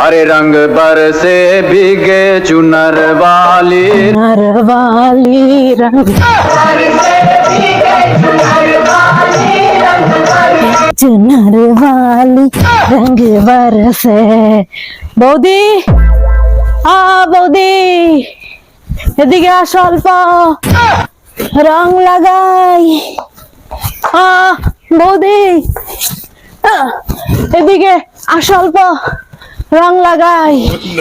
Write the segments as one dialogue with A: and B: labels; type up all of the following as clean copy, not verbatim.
A: हरे रंग बरसे भीगे चुनर वाली
B: रंग चुनर वाली रंग बरसे। বৌদি বৌদি এদিকে আসো, অল্প রং লাগাই। বৌদি এদিকে আসো, অল্প রং লাগাই।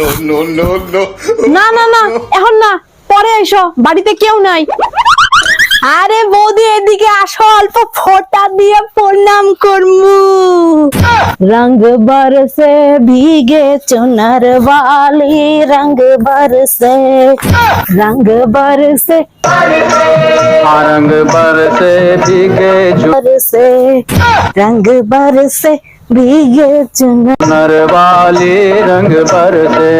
B: না না না, এখন না, পরে এসো, বাড়িতে কেউ নাই। আরে বৌদি এদিকে আসো, অল্প ফোঁটা দিয়ে প্রণাম করমু। रंग बरसे भीगे चुनर वाली रंग बरसे रंग बरसे
A: रंग बरसे भीगे
B: बरसे रंग बरसे भीगे
A: चुनर वाली रंग बरसे।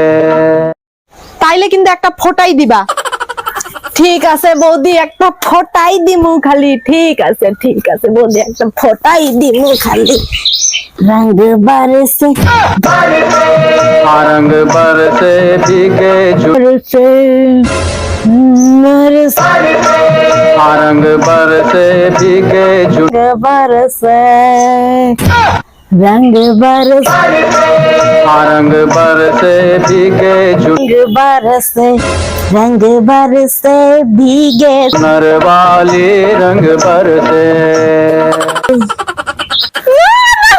B: তাইলে কিন্তু একটা ফোঁটাই দিবা। ঠিক আছে বৌদি, একটা ফোঁটাই দিমু খালি। ঠিক আছে বৌদি, একটা ফোঁটাই দিমু খালি। रंग बरसे
A: रंग बरसे भीगे
B: बरसे बरसे
A: रंग बरसे भीगे
B: बरसे रंग बरसे
A: रंग बरसे भीगे
B: रंग बरसे भीगे
A: चुनर वाली रंग बरसे।